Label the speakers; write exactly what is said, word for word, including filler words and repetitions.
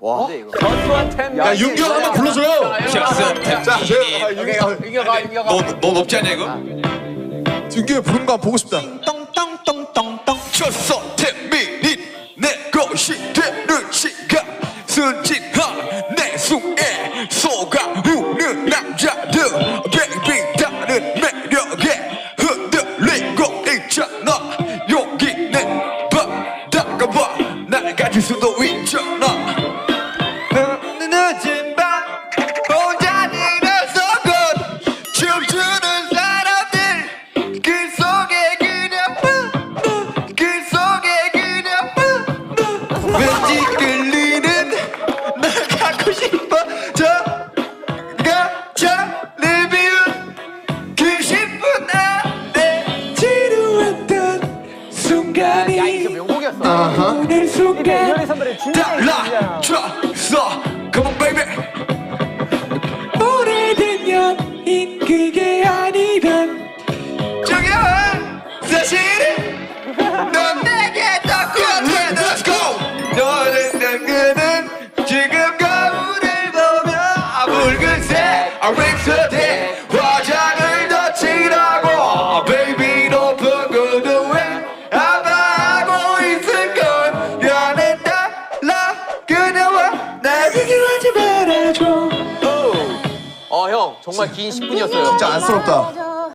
Speaker 1: 와.
Speaker 2: 야 윤규 형 한번 불러줘요.
Speaker 3: 자,
Speaker 1: 윤규가 윤규가.
Speaker 3: 너 높지 않냐 이거?
Speaker 2: 윤규 형 부르는 거 한번 보고 싶다.
Speaker 1: 똥똥똥똥똥.
Speaker 3: 쳤어 태민이 내 것이 되는 시간 순진한 내숭에 속아우는 남자들 베이비 다른 매력에 흔들리고 있잖아 여기 내 바다가 봐 날 가질 수도 있잖아 늦은 밤 혼자 일어서 곧 춤추는 사람들 그 속에 그냥 그 속에 그냥 왠지 끌리는 날 갖고 싶어 저가 저를 비운 그 십 분 안에 지루했던 순간이
Speaker 1: 야 이거 명곡이었어.
Speaker 3: 오늘 순간
Speaker 1: 이현희 선배의 중요한
Speaker 3: 달라졌어 Come on baby 오래된 연인 그게 아니란 중요한 사실은 넌 내게 더 꽂혀 Let's go 너는 당근은 지금 거울을 보며 붉은색 립스틱 화장을 더 칠하고 Baby 높은 구두에 아파하고 있을걸 연애 달라 그녀와 날 비교하지 말아줘
Speaker 1: 어 형 정말 긴 십 분이었어요.
Speaker 2: 진짜 안쓰럽다.